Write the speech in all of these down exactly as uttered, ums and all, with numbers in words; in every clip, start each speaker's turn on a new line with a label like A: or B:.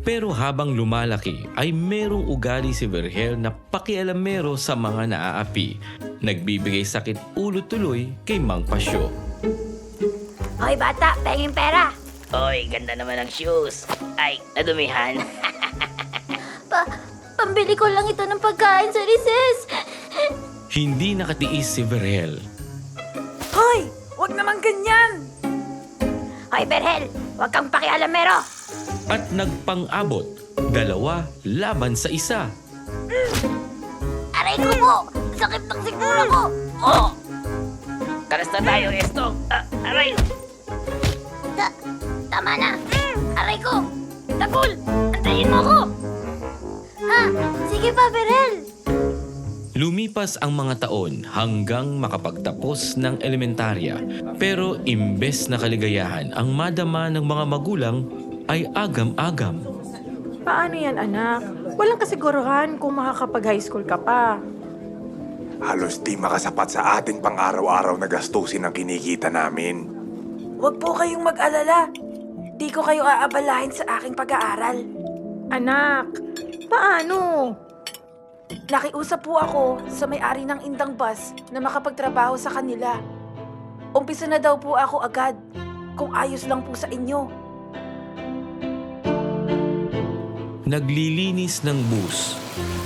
A: Pero habang lumalaki ay merong ugali si Vergel na pakialamero sa mga naaapi. Nagbibigay sakit ulo tuloy kay Mang Pasyo.
B: Hoy bata, penging pera.
C: Oy, ganda naman ng shoes. Ay, nadumihan.
B: Pa, pambili ko lang ito ng pagkain sa recess.
A: Hindi nakatiis si Vergel.
D: Hoy! Huwag naman ganyan!
B: Hoy Berhel, huwag kang pakialamero.
A: At nagpang-abot, dalawa laban sa isa.
B: Aray ko po, sakit ng siguro ko.
C: Oh! Karas na tayo, Estong. Ah, aray!
B: Ta tama na. Aray ko, Tagul, antayin mo ko. Ha, sige pa Berhel.
A: Lumipas ang mga taon hanggang makapagtapos ng elementarya. Pero imbes na kaligayahan ang madama ng mga magulang ay agam-agam.
D: Paano yan, anak? Walang kasiguruhan kung makakapag-high school ka pa.
E: Halos di makasapat sa ating pang-araw-araw na gastusin ang kinikita namin.
F: Huwag po kayong mag-alala. Di ko kayo aabalahin sa aking pag-aaral.
D: Anak, paano?
F: Nakiusap po ako sa may-ari ng Indang Bus na makapagtrabaho sa kanila. Umpisa na daw po ako agad, kung ayos lang po sa inyo.
A: Naglilinis ng bus.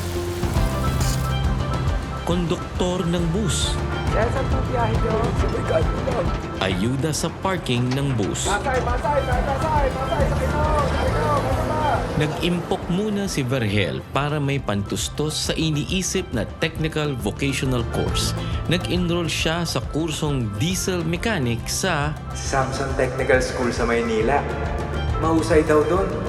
A: Konduktor ng bus.
E: Kaya saan po biyahe nyo? Sa Brigado lang.
A: Ayuda sa parking ng bus.
E: Masay, masay, masay, masay, masay, sa kino, sa kino, masama.
A: Nag-impok muna si Vergel para may pantustos sa iniisip na technical vocational course. Nag-enroll siya sa kursong diesel mechanic sa
G: Samson Technical School sa Maynila. Mahusay daw doon.